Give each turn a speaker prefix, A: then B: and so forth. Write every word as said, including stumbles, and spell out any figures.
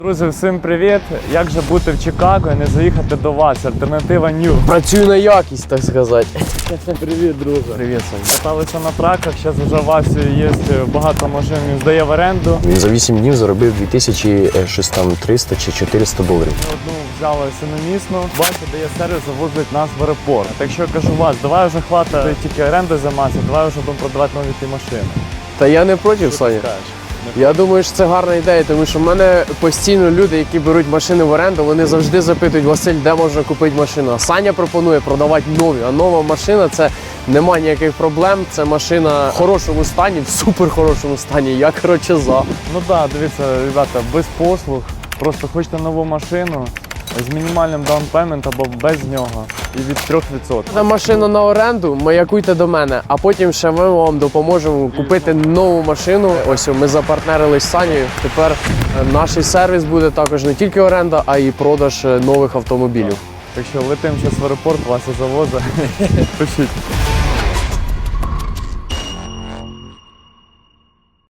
A: Друзі, всім привіт! Як же бути в Чикаго і не заїхати до вас? Альтернатива New.
B: Працюю на якість, так сказати.
A: Привіт, друже. Привіт, Сонь. Каталися на траках, зараз вже в Васі є багато машин, він здає в оренду.
B: Він за вісім днів заробив дві тисячі триста чи чотириста доларів.
A: Ми одну взяли синомісну. Вася дає сервіс, завозить нас в аеропорт. Так що я кажу, Вась, давай вже хватить тільки оренди займатися, давай вже будемо продавати нові ті машини.
B: Та я не проти, Саня. Я думаю, що це гарна ідея, тому що в мене постійно люди, які беруть машини в оренду, вони завжди запитують: Василь, де можна купити машину? А Саня пропонує продавати нові. А нова машина – це нема ніяких проблем. Це машина в хорошому стані, в супер хорошому стані. Я, коротше, за.
A: Ну так, да, дивіться, ребята, без послуг. Просто хочете нову машину з мінімальним даунпеймент або без нього. І від трьох відсотків.
B: Та машина на оренду, маякуйте до мене, а потім ще ми вам допоможемо купити нову машину. Ось ми запартнерились з Санєю. Тепер наш сервіс буде також не тільки оренда, а й продаж нових автомобілів.
A: Так що летимо зараз в аеропорт, Вася завозить. Пишіть.